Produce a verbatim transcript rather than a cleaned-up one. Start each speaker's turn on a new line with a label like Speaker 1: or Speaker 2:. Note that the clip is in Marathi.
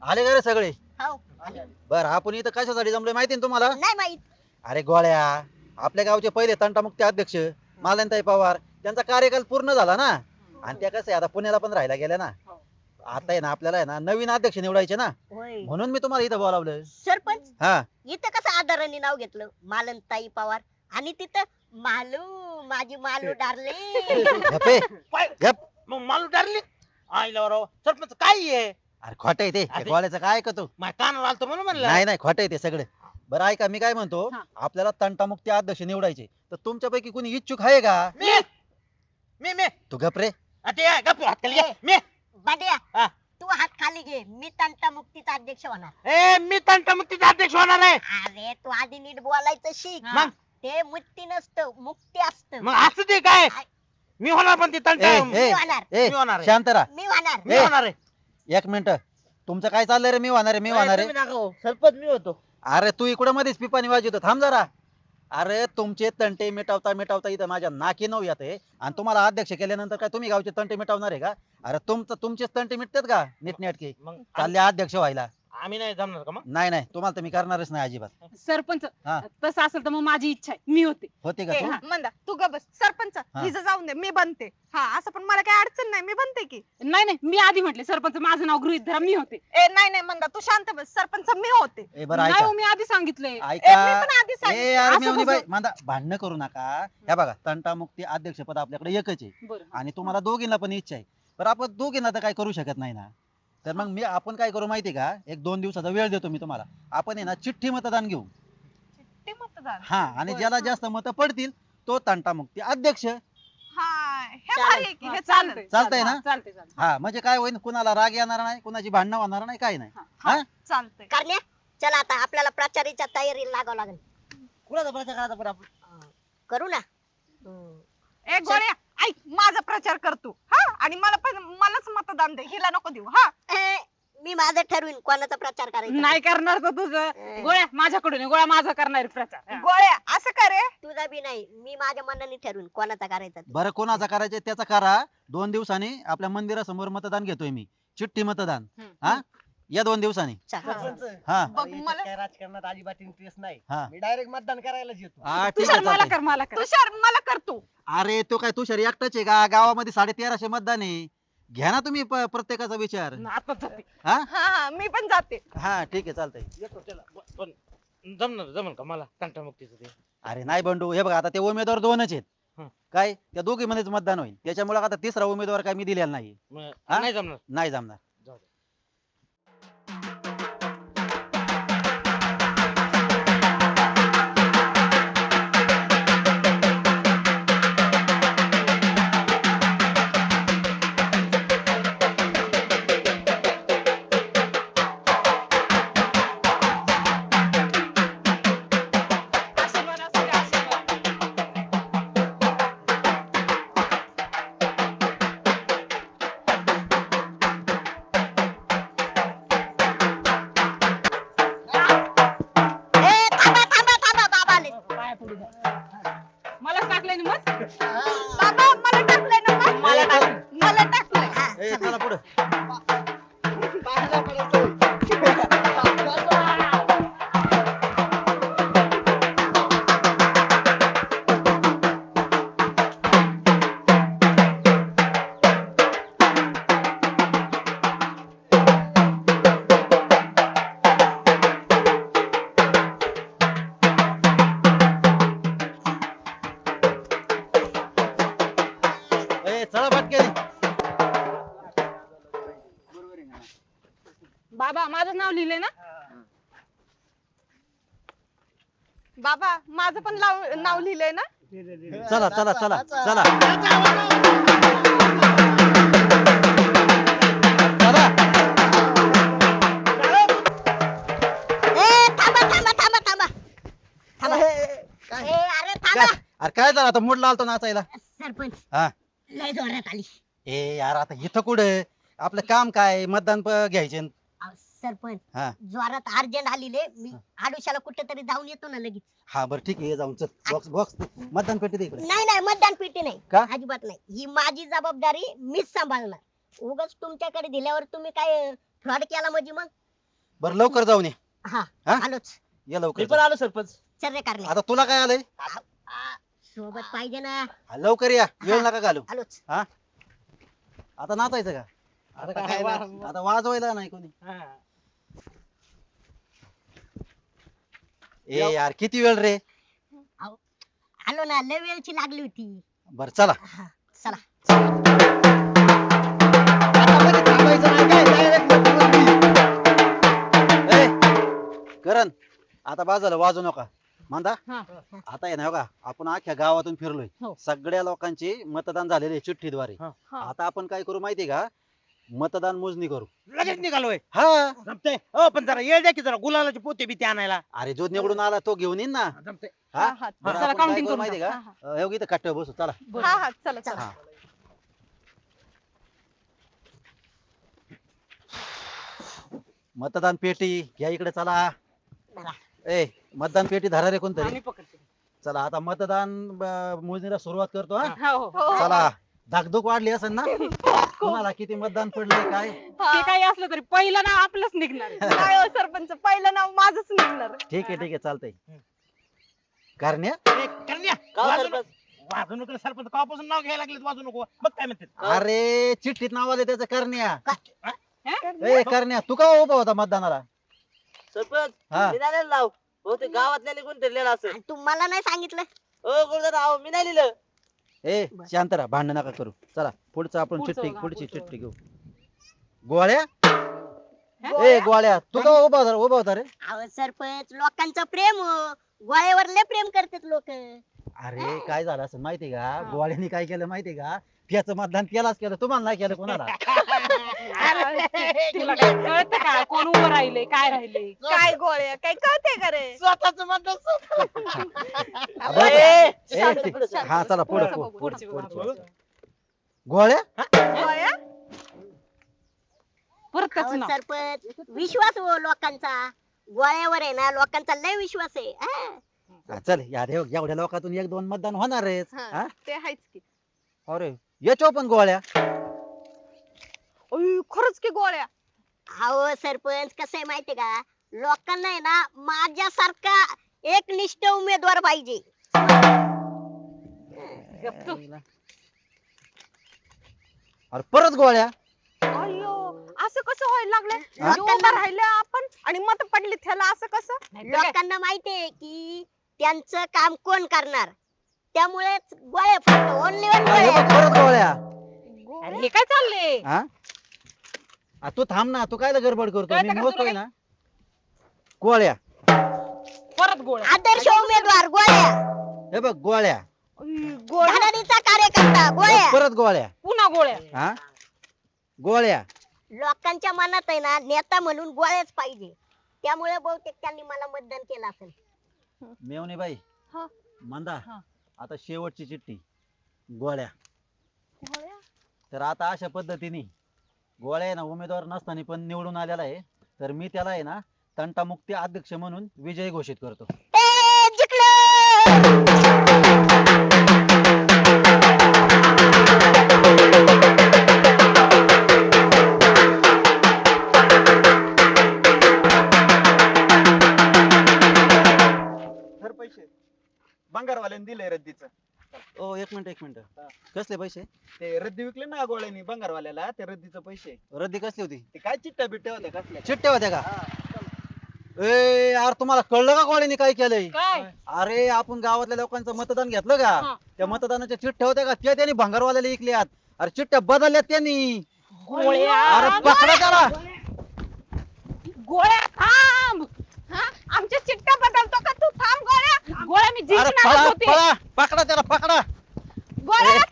Speaker 1: आले का रे सगळे?
Speaker 2: हो
Speaker 1: बर आपण इथं कशासाठी जमलोय माहिती ना तुम्हाला?
Speaker 2: नाही माहित.
Speaker 1: अरे गोळ्या, आपल्या गावचे पहिले तंटामुक्ती अध्यक्ष मालनताई पवार त्यांचा कार्यकाल पूर्ण झाला ना. आणि त्या कसं आहे आता पुण्याला पण राहायला गेल्या ना. आता आहे ना आपल्याला आहे ना नवीन अध्यक्ष निवडायचे ना.
Speaker 2: होय
Speaker 1: म्हणून मी तुम्हाला इथं बोलावलं.
Speaker 2: सरपंच
Speaker 1: हा
Speaker 2: इथं कसं आदराने नाव घेतलं मालनताई पवार आणि तिथं मालू माझी मालू डार्लिंग.
Speaker 1: गप्पे.
Speaker 3: काय?
Speaker 1: गप.
Speaker 3: मग मालू डारली आईला राव सरपंच काय आहे
Speaker 1: अरे खोटं आहे ते
Speaker 3: अरे.
Speaker 1: गोळ्याचं काय ऐकतो?
Speaker 3: माझ्या कानावर आलतो म्हणून म्हणलं
Speaker 1: नाही नाही खोटं आहे ते सगळं. बरं ऐका मी काय म्हणतो,
Speaker 4: हा.
Speaker 1: आपल्याला तंटामुक्ती अध्यक्ष निवडायचे तर तुमच्यापैकी कोणी इच्छुक आहे का?
Speaker 3: मी मी मी
Speaker 1: तू गप रे.
Speaker 3: आ, ते गप्प हात खाली घे. मी
Speaker 2: बांड्या
Speaker 3: हा.
Speaker 2: तू हात खाली घे मी तंटा मुक्तीचा अध्यक्ष होणार.
Speaker 3: ए मी तंटामुक्तीचा अध्यक्ष होणार आहे
Speaker 2: अरे तू आधी नीट बोलायचं शिक.
Speaker 3: मग
Speaker 2: ते मुक्ती नसतं मुक्ती असतं.
Speaker 3: मग असं ते काय मी होणार पण ते तंटा
Speaker 1: ए,
Speaker 3: मी
Speaker 1: ए,
Speaker 2: होणार.
Speaker 1: ए,
Speaker 3: मी होणार आहे.
Speaker 1: शांत राहा.
Speaker 2: मी होणार.
Speaker 3: मी होणार आहे
Speaker 1: एक मिनिट. तुमचं काय चाललंय रे? मी होणार आहे मी होणार आहे.
Speaker 3: सरपंच मी होतो
Speaker 1: अरे तू इकडे मध्येच पिपाणी वाजवतो, थांब जरा. अरे तुमचे तंटे मिटवता मिटवता इथं माझ्या नाकी नऊ येते आणि तुम्हाला अध्यक्ष केल्यानंतर काय तुम्ही गावचे तंटे मिटवणार आहे का? अरे तुमचं तुमचेच तंटे मिटतात का नीटनेटके?
Speaker 3: मग
Speaker 1: चालले अध्यक्ष व्हायला.
Speaker 3: आम्ही नाही जमणार का मग
Speaker 1: नाही नाही तुम्हाला तर मी करणारच नाही अजिबात.
Speaker 4: सरपंच
Speaker 1: हा.
Speaker 4: तसं असेल तर मग माझी इच्छा आहे मी होते.
Speaker 1: होते का
Speaker 5: ए,
Speaker 1: तू?
Speaker 5: मंदा तू ग बस सरपंच
Speaker 1: हा.
Speaker 5: हिचं जाऊन दे मी बनते. हा असं पण मला काही अडचण नाही मी बनते की.
Speaker 4: नाही नाही मी आधी म्हटले सरपंच माझं नाव गृहीत धरा मी होते.
Speaker 5: ए नाही नाही मंदा तू शांत बस सरपंच मी होते.
Speaker 1: ए बरं
Speaker 4: नाही
Speaker 1: ऐका
Speaker 4: हो, मी आधी सांगितलंय.
Speaker 5: ए, मी
Speaker 1: ऐका.
Speaker 5: पण आधी
Speaker 1: ए
Speaker 5: सांगितलं.
Speaker 1: यार
Speaker 4: असं
Speaker 1: मेवणी बाई
Speaker 4: कसं?
Speaker 1: मांदा भांडणं करू नका. हे बघा तंटामुक्ती अध्यक्षपद आपल्याकडे एकच आहे
Speaker 4: बरं.
Speaker 1: आणि तुम्हाला दोघींना पण इच्छा आहे. पण आपण दोघींना तर काय करू शकत नाही ना. तर मग मी आपण काय करू माहिती का, एक दोन दिवसाचा वेळ देतो मी तुम्हाला. आपण आहे ना चिठ्ठी मतदान घेऊ.
Speaker 5: ते मतदान.
Speaker 1: हा आणि
Speaker 5: बरं.
Speaker 1: ज्याला जास्त मतं पडतील तो तंटामुक्ती अध्यक्ष.
Speaker 5: हा हे भारी आहे की
Speaker 4: हा,
Speaker 5: हे
Speaker 4: चालतंय
Speaker 5: चालेल.
Speaker 1: चालतंय ना?
Speaker 4: चालतंय चालतंय.
Speaker 1: हा म्हणजे काय होईल, कुणाला राग येणार नाही, कुणाची भांडणं होणार नाही, काय नाही.
Speaker 5: हा
Speaker 1: हा
Speaker 5: चालतंय.
Speaker 2: करण्या चला आता आपल्याला प्रचाराच्या तयारीला लागावं लागेल.
Speaker 3: कुणाचा प्रचार करायचा पण आपण
Speaker 2: अं, करू ना. हम्म.
Speaker 5: ए गोळ्या ऐक माझा प्रचार कर तू. हा आणि मला पण मलाच मतदान दे हिला नको देऊ. हा
Speaker 2: ए, मी माझं ठरवीन कोणाचा प्रचार करायचा.
Speaker 4: नाही करणार तर तुझं गोळ्या माझ्याकडून आहे. गोळ्या माझा करणार आहे प्रचार. हा.
Speaker 5: गोळ्या असं करे.
Speaker 2: तुझा बी नाही मी माझ्या मनाने ठरवीन कोणाचा करायचा ते.
Speaker 1: बरं कोणाचा करायचं त्याचा करा. दोन दिवसांनी आपल्या मंदिरासमोर मतदान घेतोय मी, चिठ्ठी मतदान.
Speaker 4: हम्म.
Speaker 1: हा या दोन दिवसांनी.
Speaker 2: चला.
Speaker 1: हा
Speaker 5: बघ मला
Speaker 3: काय राजकारणात अजिबात इंटरेस्ट नाही
Speaker 1: हा
Speaker 3: मी डायरेक्ट मतदान करायलाच येतो
Speaker 1: हा ठीक
Speaker 4: तुषार
Speaker 1: आहे
Speaker 4: मला
Speaker 1: चालतंय.
Speaker 4: कर मला कर.
Speaker 5: तुषार मला कर तू.
Speaker 1: अरे तो काय तुषार एकटाच आहे का? गावामध्ये साडे तेराशे मतदान आहे. घ्या ना तुम्ही प- प्रत्येकाचा विचार.
Speaker 4: आता जाते.
Speaker 1: हा
Speaker 5: हा हा मी पण जाते.
Speaker 1: हा ठीक आहे चालतंय.
Speaker 3: येतो त्याला ब- पण जमणार जमल का मला तंटामुक्तीचं ते
Speaker 1: अरे नाही बंडू, हे बघा आता ते उमेदवार दोनच आहेत.
Speaker 3: हं.
Speaker 1: काय त्या दोघी मध्येच मतदान होईल, त्याच्यामुळे आता तिसरा उमेदवार काय मी दिलेला नाही.
Speaker 3: मग
Speaker 1: हा?
Speaker 3: नाही जमणार
Speaker 1: नाही जमणार.
Speaker 3: जाऊ दे.
Speaker 5: आशीर्वाद असू दे, आशीर्वाद.
Speaker 2: ए, थांबा थांबा थांबा बाबा आले.
Speaker 4: मला टाकलंय ना मग.
Speaker 5: बाबा मला टाकलंय ना मग?
Speaker 1: मला टाक.
Speaker 5: मला टाकलंय.
Speaker 2: हा,
Speaker 1: ए चला पुढे. ए चला पटकन.
Speaker 4: बाबा माझं नाव लिहिलंय ना.
Speaker 5: बाबा माझं पण लाव- नाव लिहिलंय ना.
Speaker 1: चला चला चला चला चला.
Speaker 2: ए, थांबा थांबा थांबा थांबा थांबा. ए, अरे थांबा.
Speaker 1: काय अरे काय झालं आता मूड लावतो नाचायला.
Speaker 2: सरपंच
Speaker 1: हा
Speaker 2: लय जोरात आली.
Speaker 1: ए यार आता इथं कुठे आपलं काम काय, मतदान प- घ्यायचे.
Speaker 2: अहो, सरपंच
Speaker 1: हा
Speaker 2: जोरात अर्जंट आलेले मी आडुशाला कुठेतरी जाऊन येतो ना लगेच.
Speaker 1: हा बरं ठीक आहे ये जाऊन चल. बॉक्स बॉक्स मतदान पेटी दे इकडे.
Speaker 2: नाही नाही मतदान पेटी नाही
Speaker 1: का?
Speaker 2: अजिबात नाही. ही माझी जबाबदारी मीच सांभाळणार. उगाच तुमच्याकडे दिल्यावर तुम्ही काय फ्रॉड केला म्हणजे मग
Speaker 1: बरं लवकर जाऊन ये
Speaker 2: हा
Speaker 1: हा?
Speaker 2: आलोच
Speaker 1: ये
Speaker 3: मी
Speaker 1: लवकर
Speaker 3: पण
Speaker 1: जाऊन.
Speaker 3: आलो सरपंच.
Speaker 2: चल रे कारणे
Speaker 1: आता तुला काय आलंय
Speaker 2: सोबत पाहिजे ना
Speaker 1: हा, लवकर या वेळ नका घालू
Speaker 2: आलोच
Speaker 1: हा आता नाचायचं का आता का काय नाच- आता वाजवायला नाही कोणी
Speaker 3: हा.
Speaker 1: ए यार किती वेळ रे
Speaker 2: आलो ना लय वेळची लागली होती
Speaker 1: बर चला
Speaker 2: हा, चला
Speaker 1: आता लगेच थांबायचं नाही काय direct लवकर ये. ए, करण आता बाजूला वाजू नका मांदा
Speaker 4: हा.
Speaker 1: आता आहे ना हो का आपण अख्ख्या गावातून फिरलोय
Speaker 4: हो.
Speaker 1: सगळ्या लोकांची मतदान झालेले चिठ्ठीद्वारे
Speaker 3: हा.
Speaker 4: हा.
Speaker 1: आता आपण काय करू माहितीये का मतदान मोजणी करू
Speaker 3: लगेच निघालोय.
Speaker 1: हा
Speaker 3: जमतंय. हो पण जरा येळ द्या की जरा गुलालाचे पोते बी ते आणायला.
Speaker 1: अरे जो निवडून आला तो घेऊन येईन ना
Speaker 3: जमतंय.
Speaker 1: हा
Speaker 5: हा, हा.
Speaker 1: बरं,
Speaker 4: चला,
Speaker 1: आपण काय
Speaker 4: counting
Speaker 1: करू
Speaker 4: करून
Speaker 1: माहितीये
Speaker 4: टाक.
Speaker 1: का
Speaker 4: हा,
Speaker 1: अं, हे इथं कट्ट्यावर बसू चला
Speaker 4: बरं.
Speaker 5: हा हा चला चला
Speaker 1: हा मतदान पेटी घ्या इकडे चला
Speaker 2: चला.
Speaker 1: ए मतदान पेटी धरा रे कोणतरी
Speaker 4: आम्ही पकडते.
Speaker 1: चला आता मतदान ब- मोजणीला सुरुवात करतो हा
Speaker 4: हो, हो.
Speaker 5: हो.
Speaker 1: चला धाकधूक वाढली असेल ना तुम्हाला किती मतदान पडले काय
Speaker 4: ते काही असलं तरी पहिलं नाव आपलंच निघणार आहे.
Speaker 5: काय हो सरपंच पहिलं नाव माझंच निघणार
Speaker 1: ठीक आहे ठीक आहे चालतंय करण्या
Speaker 3: ए, करण्या, वाजू नको. वाजू नको रे सरपंच. कवापासून नाव घ्यायला लागले वाजू नको. मग काय म्हणते
Speaker 1: अरे चिठ्ठीत नाव आले त्याचं करण्या
Speaker 4: हं?
Speaker 1: ए करण्या तू का उभा होता मतदानाला
Speaker 6: सरपंच
Speaker 1: हा
Speaker 6: मी नाही लाव हो ते गावातल्या निघून ठरलेलं असं
Speaker 2: आणि तू मला नाही सांगितलं
Speaker 6: हो गुरुदादा अहो मी नाही लिहिलं
Speaker 1: ए शांत राहा भांडण नका करू चला पुढचं आपण
Speaker 4: पुढचं
Speaker 1: चिठ्ठी
Speaker 4: बघा,
Speaker 1: पुढची
Speaker 4: पुढचं
Speaker 1: चिठ्ठी घेऊ गोळ्या ए गोळ्या तू का उभा होता उभा होता रे
Speaker 2: अहो सरपंच लोकांचं प्रेम हो. गोळ्यावर लय प्रेम करतात लोक
Speaker 1: अरे काय झालं असं माहितीये का गोळ्याने काय केलं माहितीये का त्याचं मतदान त्यालाच केलं तुम्हाला नाही केलं कोणाला
Speaker 4: तुला काय कळतं का कोण उभं राहिले काय राहिले
Speaker 5: काय गोळ्या काय कळते का रे
Speaker 3: स्वतःच मतदान
Speaker 1: बरं,
Speaker 6: ए,
Speaker 1: ए,
Speaker 6: शांत
Speaker 1: ते-
Speaker 6: पुढं, शांत.
Speaker 1: हा चला पुढे
Speaker 4: पुढचं बघू,
Speaker 1: पुढे
Speaker 4: पुढचं बघू,
Speaker 1: पुढे गोळ्या
Speaker 5: गोळ्या
Speaker 4: परतच
Speaker 2: अहो
Speaker 4: नाव
Speaker 2: सरपंच विश्वास हो लोकांचा गोळ्यावर आहे ना लोकांचा लय विश्वास आहे हा.
Speaker 1: हा, चल या रे, एवढ्या लोकातून एक दोन मतदान होणारच
Speaker 5: हा,
Speaker 1: हा?
Speaker 5: ते आहेच की
Speaker 1: अरे याच्या पण गोळ्या
Speaker 5: अय, खरंच की गोळ्या
Speaker 2: अहो सरपंच कसं आहे माहितीये का लोकांना आहे ना माझ्यासारखा एक निष्ठ उमेदवार पाहिजे
Speaker 4: गप तू.
Speaker 1: अरे परत गोळ्या
Speaker 5: अयो असं कसं व्हायला लागलंय
Speaker 1: हा?
Speaker 5: म्हणजे उभं राहिलं आपण आणि मत पडली त्याला असं कसं
Speaker 4: नाहीतर काय?
Speaker 2: लोकांना माहितीये की त्यांचं काम कोण करणार त्यामुळे गोळ्या फक्त ओनली वन
Speaker 1: अरे
Speaker 2: गोळ्या
Speaker 1: बघ, परत गोळ्या
Speaker 4: अरे हे काय चाललंय
Speaker 1: हा आ, तू थांब ना तू काय गडबड करतो
Speaker 4: कळतं
Speaker 1: मी
Speaker 4: का तुला
Speaker 1: मोजतोय
Speaker 4: काय?
Speaker 1: ना गोळ्या
Speaker 4: परत गोळ्या
Speaker 2: आदर्श उमेदवार गोळ्या
Speaker 1: हे बघ गोळ्या
Speaker 5: अय, गोळ्या
Speaker 2: धडाडीचा कार्यकर्ता गोळ्या
Speaker 1: परत गोळ्या
Speaker 4: पुन्हा गोळ्या
Speaker 1: हा गोळ्या
Speaker 2: लोकांच्या मनात आहे ना नेता म्हणून गोळ्याच पाहिजे त्यामुळे बहुतेक त्यांनी मला मतदान केलं असेल
Speaker 1: मेवणे बाई
Speaker 5: हा.
Speaker 1: मंदा
Speaker 4: हा.
Speaker 1: आता शेवटची चिठ्ठी गोळ्या
Speaker 5: गोळ्या
Speaker 1: तर आता अशा पद्धतीने गोळ्या आहे ना उमेदवार नसताना पण निवडून आलेला आहे तर मी त्याला आहे ना तंटामुक्ती अध्यक्ष म्हणून विजयी घोषित करतो
Speaker 2: ए, जिंकलो
Speaker 7: तर पैसे बंगारवाल्याने दिले रद्दीचं
Speaker 1: ओ एक मिनिट एक मिनिट कसले पैसे
Speaker 7: ते रद्दी विकले ना गोळ्यानी बंगारवाल्याला ते रद्दीचं पैसे
Speaker 1: रद्दी कसली होती
Speaker 7: ते काय चिट्ट्या बिट्ट्या होत्या कसल्या
Speaker 1: चिठ्ठ्या होत्या का ए यार तुम्हाला कळलं का गोळ्याने काय केलंय
Speaker 4: काय
Speaker 1: अरे आपण गावातल्या लोकांचं मतदान घेतलं का
Speaker 4: हा.
Speaker 1: त्या मतदानाच्या चिठ्ठ्या होत्या का त्या त्यांनी भंगारवाल्याला विकल्यात अरे चिठ्ठ्या बदलल्यात त्यांनी
Speaker 4: गोळ्या
Speaker 1: अरे पकडा त्याला
Speaker 4: गोळ्या थांब
Speaker 5: हा आमच्या चिट्ट्या बदलतो का तू थांब गोळ्या
Speaker 4: गोळ्या मी
Speaker 1: अरे
Speaker 4: जिंकणार
Speaker 1: पळा
Speaker 4: होते
Speaker 1: पळा पकडा त्याला पकडा
Speaker 5: गोळ्या